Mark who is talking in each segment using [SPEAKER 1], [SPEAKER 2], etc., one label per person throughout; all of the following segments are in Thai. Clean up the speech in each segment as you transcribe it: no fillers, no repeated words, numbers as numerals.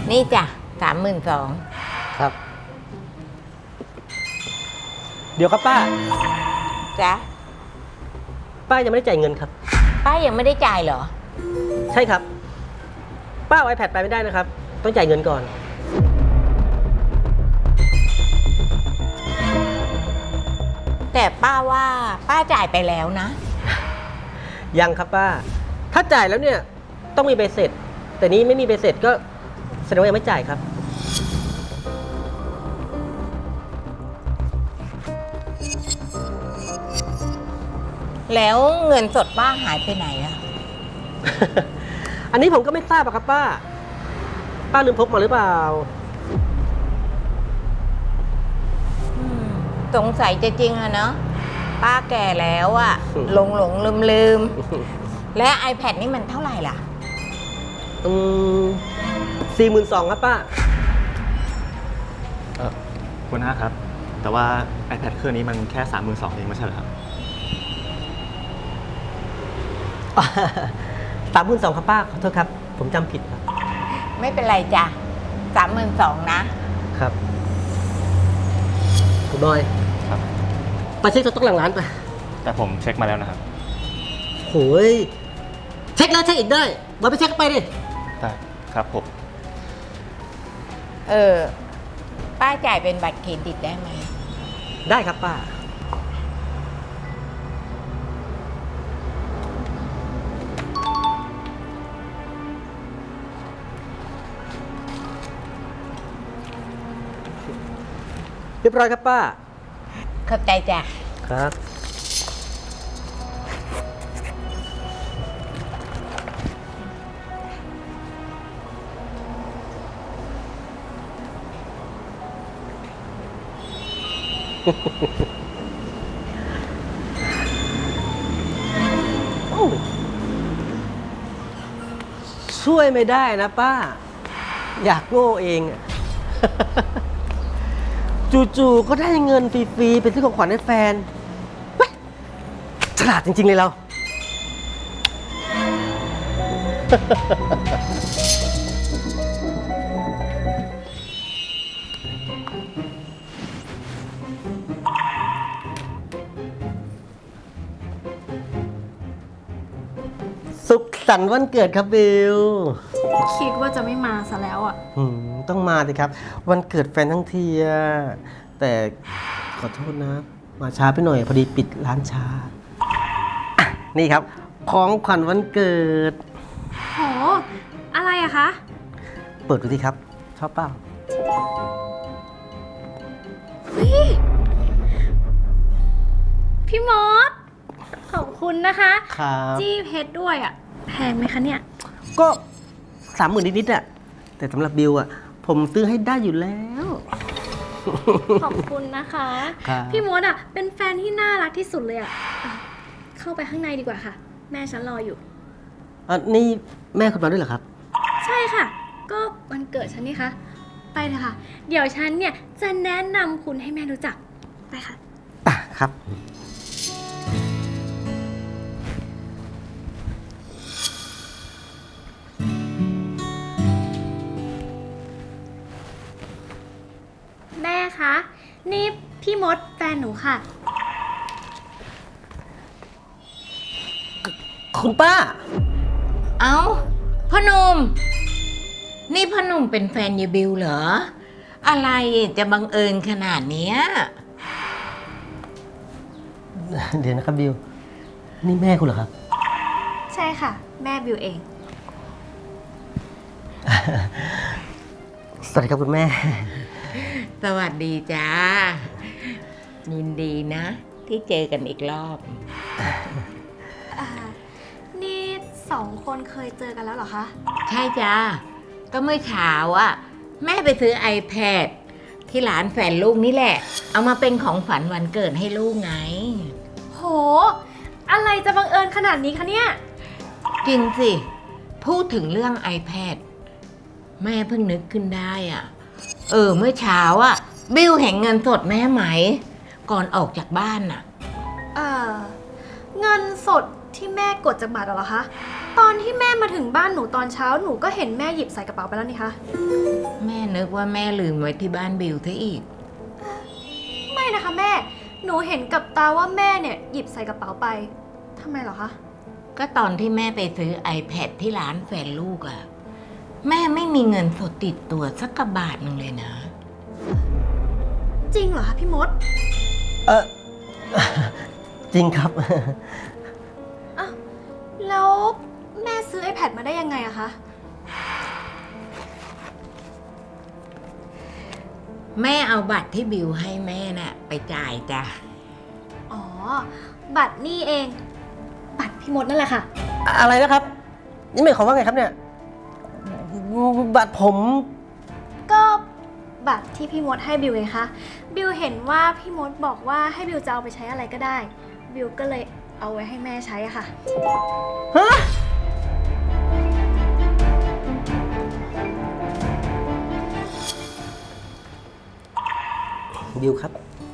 [SPEAKER 1] นี่จ้ะ32,000
[SPEAKER 2] ครับ เดี๋ยวครับป้า
[SPEAKER 1] จ้ะ
[SPEAKER 2] ป้ายังไม่ได้จ่ายเงินครับ
[SPEAKER 1] ป้ายังไม่ได้จ่ายเหรอ
[SPEAKER 2] ใช่ครับ ป้าเอา iPad ไปไม่ได้นะครับ ต้องจ่ายเงินก่อน
[SPEAKER 1] แต่ป้าว่าป้าจ่ายไปแล้วนะ
[SPEAKER 2] ยังครับป้า ถ้าจ่ายแล้วเนี่ยต้องมีใบเสร็จ แต่นี้ไม่มีใบเสร็จก็แสดงว่ายังไม่จ่ายครับ
[SPEAKER 1] แล้วเงินสดป้าหายไปไหนอะ
[SPEAKER 2] อันนี้ผมก็ไม่ทราบอะครับป้า ป้าลืมพกมาหรือเปล่า
[SPEAKER 1] สงสัยจะจริงอะเนาะป้าแก่แล้วอะหลงลืม และ iPad นี่มันเท่าไหร่ล่ะ
[SPEAKER 2] 42,000ครับป้า
[SPEAKER 3] คุณน้าครับ แต่ว่า iPad เครื่องนี้มันแค่ 32,000เองไม่ใช่เหรอครับ
[SPEAKER 2] 32,000ครับป้า ขอโทษครับ ผมจำผิดครับ
[SPEAKER 1] ไม่เป็นไรจ้ะ32,000นะ
[SPEAKER 2] ครับคุณบอย
[SPEAKER 3] ครับ
[SPEAKER 2] ไปเช็คสต๊อกหลังร้านไป
[SPEAKER 3] แต่ผมเช็คมาแล้วนะครับ
[SPEAKER 2] โหยเช็คแล้วเช็คอีกได้บอยไปเช็คไปดิ
[SPEAKER 3] ได้ครับผม
[SPEAKER 1] ป้าจ่ายเป็นบัตรเครดิตได้ไหม
[SPEAKER 2] ได้ครับป้า เรียบร้อยครับป้า
[SPEAKER 1] เข้าใจจ้ะ
[SPEAKER 2] ครับ โอ้ช่วยไม่ได้นะป้า อยากโง่เองอะ จู่ๆก็ได้เงินฟรีๆเป็นซื้อของขวัญให้แฟนเฮ้ยฉลาดจริง ๆ เลยเรา สุขสันต์วันเกิดครับบิล
[SPEAKER 4] คิดว่าจะไม่มาซะแล้วอ่ะ
[SPEAKER 2] ต้องมาสิครับ วันเกิดแฟนทั้งทีอะแต่ขอโทษนะ มาช้าไปหน่อยพอดีปิดร้านช้าอ่ะนี่ครับ ของขวัญวันเกิด
[SPEAKER 4] โห อะไรอะคะ
[SPEAKER 2] เปิดดูสิครับ ชอบเปล่า
[SPEAKER 4] พี่มด ขอบคุณนะคะ
[SPEAKER 2] ครับ
[SPEAKER 4] จี้เพชรด้วยอะแพงไหมคะเนี่ย
[SPEAKER 2] ก็30,000นิดๆอะแต่สำหรับบิลอะผมซื้อให้ได้อยู่แล้ว
[SPEAKER 4] ขอบคุณนะคะ
[SPEAKER 2] ครับ
[SPEAKER 4] พี่มดอะเป็นแฟนที่น่ารักที่สุดเลยอะเข้าไปข้างในดีกว่าค่ะ แม่ฉันรออยู่
[SPEAKER 2] นี่แม่คุณมาด้วยเหรอครับ
[SPEAKER 4] ใช่ค่ะ ก็วันเกิดฉันนี่คะ ไปเลยค่ะ เดี๋ยวฉันเนี่ยจะแนะนำคุณให้แม่รู้จัก ไปค่ะ
[SPEAKER 2] ครับ
[SPEAKER 4] แม่คะ นี่พี่มดแฟนหนูค่ะ
[SPEAKER 2] คุณป้า
[SPEAKER 1] เอ้าพ่อหนุ่มนี่พ่อหนุ่มเป็นแฟนยายบิวเหรอ อะไรจะบังเอิญขนาดเนี้ย
[SPEAKER 2] เดี๋ยวนะครับบิล นี่แม่คุณเหรอครับ
[SPEAKER 4] ใช่ค่ะ แม่บิวเอง
[SPEAKER 2] สวัสดีครับคุณแม่
[SPEAKER 1] สวัสดีจ้า ยินดีนะ ที่เจอกันอีกรอบ
[SPEAKER 4] นี่สองคนเคยเจอกันแล้วเหรอคะ
[SPEAKER 1] ใช่จ้า ก็เมื่อเช้าอะแม่ไปซื้อ iPad ที่ร้านแฟนลูกนี่แหละ เอามาเป็นของฝันวันเกิดให้ลูกไง
[SPEAKER 4] โห อะไรจะบังเอิญขนาดนี้คะเนี่ย
[SPEAKER 1] จริงสิ พูดถึงเรื่อง iPad แม่เพิ่งนึกขึ้นได้อะเมื่อเช้าอะบิวเห็นเงินสดแม่ไหม ก่อนออกจากบ้านน่ะ
[SPEAKER 4] เงินสดที่แม่กดจากบัตรเหรอคะตอนที่แม่มาถึงบ้านหนูตอนเช้าหนูก็เห็นแม่หยิบใส่กระเป๋าไปแล้วนี่คะ
[SPEAKER 1] แม่นึกว่าแม่ลืมไว้ที่บ้านบิวซะอีก
[SPEAKER 4] ไม่นะคะแม่ หนูเห็นกับตาว่าแม่เนี่ยหยิบใส่กระเป๋าไปทำไมเหรอคะ
[SPEAKER 1] ก็ตอนที่แม่ไปซื้อ iPad ที่ร้านแฟนลูกอะแม่ไม่มีเงินสดติดตัวสักกระบาทหนึ่งเลยนะ
[SPEAKER 4] จริงเหรอคะพี่มด
[SPEAKER 2] เออ จริงครับ
[SPEAKER 4] อ้าวแล้วแม่ซื้อ iPad มาได้ยังไงอะคะ
[SPEAKER 1] แม่เอาบัตรที่บิวให้แม่น่ะไปจ่ายจ้ะ
[SPEAKER 4] อ๋อ บัตรนี่เอง บัตรพี่มดนั่นแหละค่ะ
[SPEAKER 2] อะไรนะครับ นี่หมายความว่าไงครับเนี่ยบัตรผม
[SPEAKER 4] ก็บัตรที่พี่มดให้บิวไงคะ บิวเห็นว่าพี่มดบอกว่าให้บิวจะเอาไปใช้อะไรก็ได้ บิวก็เลยเอาไว้ให้แม่ใช้อะค่ะ
[SPEAKER 2] ฮะบิวครับ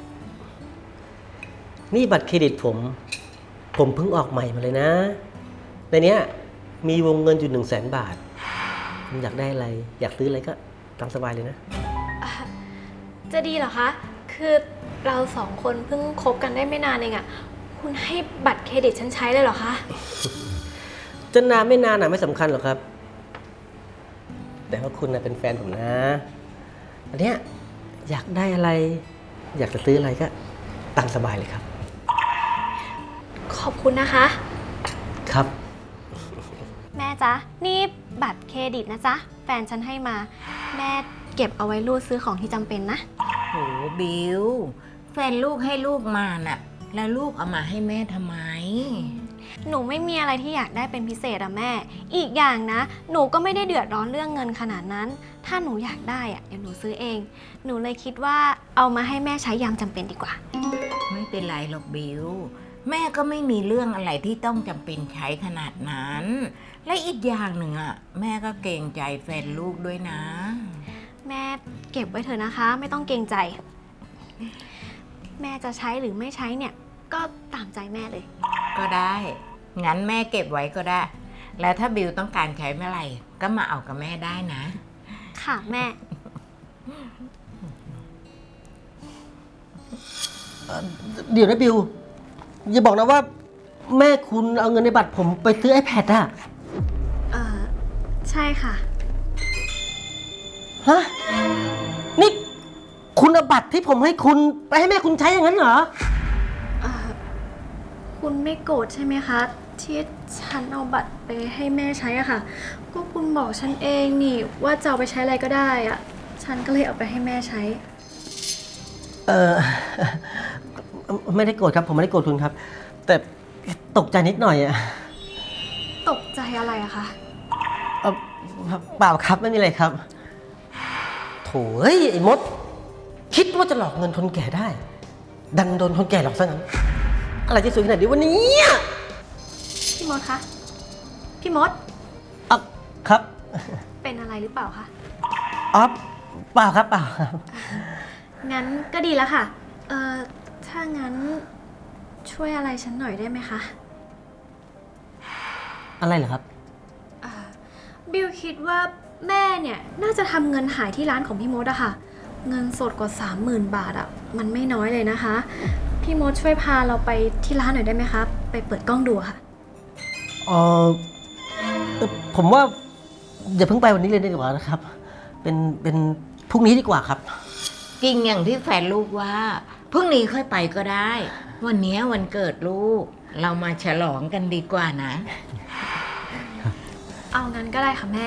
[SPEAKER 2] นี่บัตรเครดิตผม ผมเพิ่งออกใหม่มาเลยนะ ในเนี้ยมีวงเงินอยู่100,000 บาท คุณอยากได้อะไร อยากซื้ออะไรก็ตามสบายเลยนะ
[SPEAKER 4] จะดีเหรอคะ คือเราสองคนเพิ่งคบกันได้ไม่นานเองอะคุณให้บัตรเครดิตฉันใช้เลยเหรอคะ
[SPEAKER 2] จะนานไม่นานไม่สำคัญหรอกครับ แต่ว่าคุณเป็นแฟนผมนะ อันเนี้ยอยากได้อะไร อยากจะซื้ออะไรก็ตามสบายเลยครับ
[SPEAKER 4] ขอบคุณนะคะ
[SPEAKER 2] ครับ
[SPEAKER 4] แม่จ๊ะ นี่บัตรเครดิตนะจ๊ะ แฟนฉันให้มา แม่เก็บเอาไว้รูดซื้อของที่จำเป็นนะ
[SPEAKER 1] โหบิวแฟนลูกให้ลูกมาน่ะ แล้วลูกเอามาให้แม่ทำไม
[SPEAKER 4] หนูไม่มีอะไรที่อยากได้เป็นพิเศษอะแม่ อีกอย่างนะ หนูก็ไม่ได้เดือดร้อนเรื่องเงินขนาดนั้น ถ้าหนูอยากได้อะเดี๋ยวหนูซื้อเอง หนูเลยคิดว่าเอามาให้แม่ใช้ยามจำเป็นดีกว่า
[SPEAKER 1] ไม่เป็นไรหรอกบิวแม่ก็ไม่มีเรื่องอะไรที่ต้องจำเป็นใช้ขนาดนั้น และอีกอย่างหนึ่งอ่ะแม่ก็เกรงใจแฟนลูกด้วยนะ
[SPEAKER 4] แม่เก็บไว้เถอะนะคะ ไม่ต้องเกรงใจ แม่จะใช้หรือไม่ใช้เนี่ย ก็ตามใจแม่เลย
[SPEAKER 1] ก็ได้งั้นแม่เก็บไว้ก็ได้ แล้วถ้าบิวต้องการใช้เมื่อไหร่ก็มาเอากับแม่ได้นะ
[SPEAKER 4] ค่ะแม่
[SPEAKER 2] เดี๋ยวนะบิว อย่าบอกนะว่า แม่คุณเอาเงินในบัตรผมไปซื้อ iPad อะ
[SPEAKER 4] ใช่ค่ะ
[SPEAKER 2] ฮะ นี่คุณเอาบัตรที่ผมให้คุณไปให้แม่คุณใช้อย่างนั้นเหรอ
[SPEAKER 4] คุณไม่โกรธใช่ไหมคะ ที่ฉันเอาบัตรไปให้แม่ใช้อะค่ะ ก็คุณบอกฉันเองนี่ว่าจะเอาไปใช้อะไรก็ได้อะฉันก็เลยเอาไปให้แม่ใช้
[SPEAKER 2] เออ ไม่ได้โกรธครับ ผมไม่ได้โกรธคุณครับ แต่ตกใจนิดหน่อยอะ
[SPEAKER 4] ตกใจอะไรอะคะ
[SPEAKER 2] เอ่อเปล่าครับไม่มีอะไรครับโถ่เอ้ยไอ้มด คิดว่าจะหลอกเงินคนแก่ได้ ดันโดนคนแก่หลอกซะงั้น อะไรจะสวยขนาดนี้วันนี้
[SPEAKER 4] พี่มดคะ พี่มด
[SPEAKER 2] อ่ะครับ
[SPEAKER 4] เป็นอะไรหรือเปล่าคะ
[SPEAKER 2] อ๋อเปล่าครับเปล่าครับ
[SPEAKER 4] งั้นก็ดีแล้วค่ะ ถ้างั้นช่วยอะไรฉันหน่อยได้ไหมคะ
[SPEAKER 2] อะไรเหรอครับ
[SPEAKER 4] บิวคิดว่าแม่เนี่ยน่าจะทำเงินหายที่ร้านของพี่มดอะค่ะ เงินสดกว่า 30,000 บาทอะมันไม่น้อยเลยนะคะ พี่มดช่วยพาเราไปที่ร้านหน่อยได้ไหมคะ ไปเปิดกล้องดูอะค่ะ
[SPEAKER 2] เออผมว่าอย่าเพิ่งไปวันนี้เลยดีกว่านะครับ เป็นพรุ่งนี้ดีกว่าครับ
[SPEAKER 1] จริงอย่างที่แฟนลูกว่าพรุ่งนี้ค่อยไปก็ได้ วันนี้วันเกิดลูก เรามาฉลองกันดีกว่านะ
[SPEAKER 4] เอางั้นก็ได้ค่ะแม่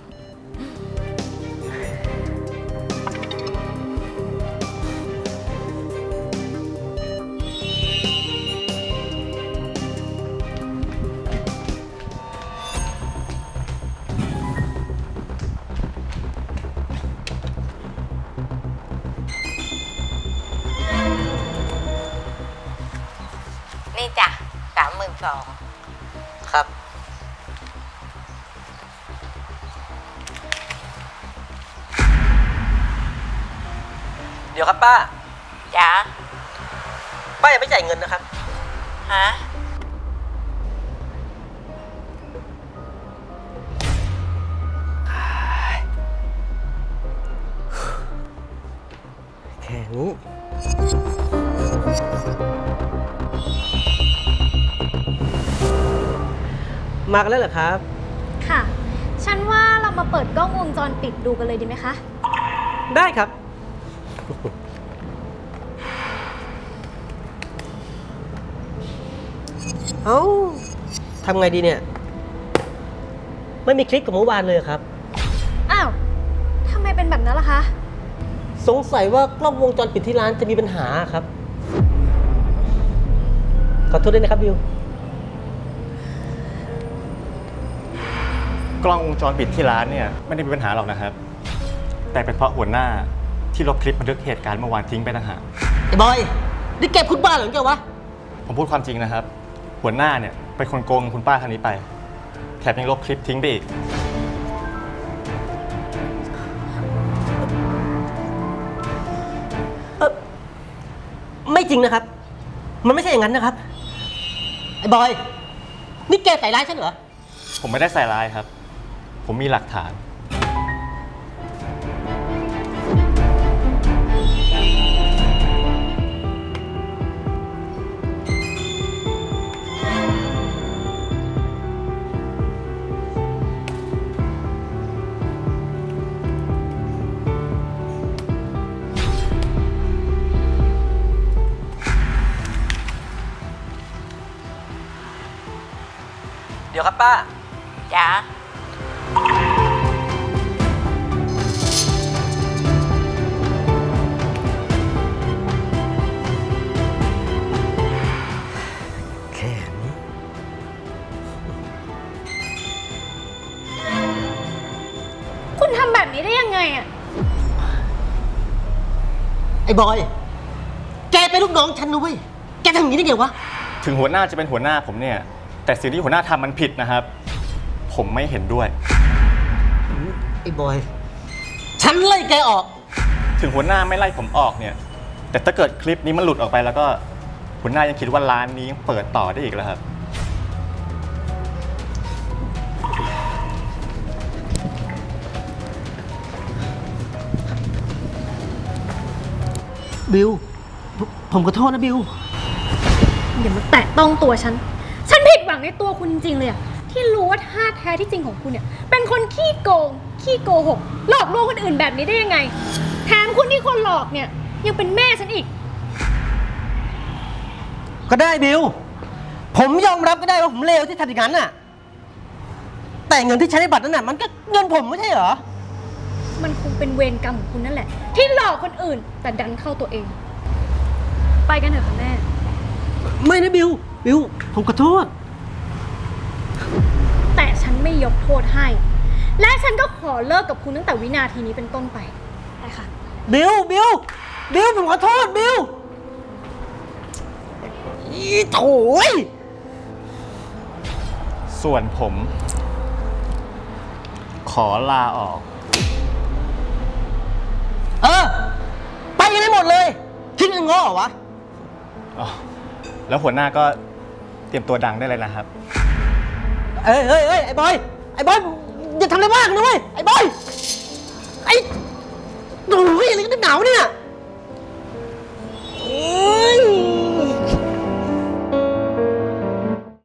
[SPEAKER 1] นี่จ้ะ32,000
[SPEAKER 2] ครับ เดี๋ยวครับป้า
[SPEAKER 1] จ้ะ
[SPEAKER 2] ป้ายังไม่จ่ายเงินนะครับ
[SPEAKER 1] ฮะ
[SPEAKER 2] อย่างนี้ มากันแล้วเหรอครับ
[SPEAKER 4] ค่ะ ฉันว่าเรามาเปิดกล้องวงจรปิดดูกันเลยดีไหมคะ
[SPEAKER 2] ได้ครับ เอ้าทำไงดีเนี่ย ไม่มีคลิปกับเมื่อวานเลยครับ
[SPEAKER 4] อ้าว ทำไมเป็นแบบนั้นล่ะคะ
[SPEAKER 2] สงสัยว่ากล้องวงจรปิดที่ร้านจะมีปัญหาครับ ขอโทษด้วยนะครับบิว
[SPEAKER 3] กล้องวงจรปิดที่ร้านเนี่ยไม่ได้มีปัญหาหรอกนะครับ แต่เป็นเพราะหัวหน้าที่ลบคลิปบันทึกเหตุการณ์เมื่อวานทิ้งไปต่างหาก
[SPEAKER 2] ไอ้บอย นี่แกพูดบ้าเหรอแกวะ
[SPEAKER 3] ผมพูดความจริงนะครับ หัวหน้าเนี่ยเป็นคนโกงคุณป้าท่านนี้ไป แถมยังลบคลิปทิ้งไปอีก
[SPEAKER 2] ไม่จริงนะครับ มันไม่ใช่อย่างนั้นนะครับ ไอ้บอย นี่แกใส่ร้ายฉันเหรอ
[SPEAKER 3] ผมไม่ได้ใส่ร้ายครับ ผมมีหลักฐาน
[SPEAKER 2] เดี๋ยวครับป้า
[SPEAKER 1] จ้า
[SPEAKER 2] แค่นี้
[SPEAKER 4] คุณทำแบบนี้ได้ยังไงอะ
[SPEAKER 2] ไอ้บอย แกเป็นลูกน้องฉันนะเว้ย แกทำอย่างนี้ได้ไงวะ
[SPEAKER 3] ถึงหัวหน้าจะเป็นหัวหน้าผมเนี่ย แต่สิ่งที่หัวหน้าทำมันผิดนะครับ ผมไม่เห็นด้วย
[SPEAKER 2] ไอ้บอย ฉันไล่แกออก
[SPEAKER 3] ถึงหัวหน้าไม่ไล่ผมออกเนี่ย แต่ถ้าเกิดคลิปนี้มันหลุดออกไปแล้วก็หัวหน้ายังคิดว่าร้านนี้ยังเปิดต่อได้อีกแล้วครับ
[SPEAKER 2] บิว ผมขอโทษนะบิว
[SPEAKER 4] อย่ามาแตะต้องตัวฉัน ฉันผิดหวังในตัวคุณจริงๆเลยอะที่รู้ว่าท่าแท้ที่จริงของคุณเนี่ย เป็นคนขี้โกง ขี้โกหก หลอกลวงคนอื่นแบบนี้ได้ยังไง แถมคุณที่คนหลอกเนี่ย ยังเป็นแม่ฉันอีก
[SPEAKER 2] ก็ได้บิว ผมยอมรับก็ได้ว่าผมเลวที่ทำอย่างนั้นน่ะ แต่เงินที่ใช้ในบัตรนั้นน่ะมันก็เงินผมไม่ใช่เหรอ
[SPEAKER 4] มันคงเป็นเวรกรรมของคุณนั่นแหละ ที่หลอกคนอื่น แต่ดันเข้าตัวเอง ไปกันเถอะค่ะแม่
[SPEAKER 2] ไม่นะบิว บิว ผมขอโทษ
[SPEAKER 4] แต่ฉันไม่ยกโทษให้ และฉันก็ขอเลิกกับคุณตั้งแต่วินาทีนี้เป็นต้นไปไปค่ะ
[SPEAKER 2] บิว บิว บิว ผมขอโทษบิว อีโถย
[SPEAKER 3] ส่วนผม ขอลาออก
[SPEAKER 2] เออ ไปกันได้หมดเลยทิ้งเงินง้อเหรอวะ
[SPEAKER 3] อ๋อ แล้วหัวหน้าก็เตรียมตัวดังได้เลยนะครับ
[SPEAKER 2] เอ้ยเอ้ยเอ้ยไอ้บอย ไอ้บอย อย่าทำอะไรมากนะเว้ย ไอ้บอย ไอ้โอ้ยอะไรกันหนาวเนี่ยโอ้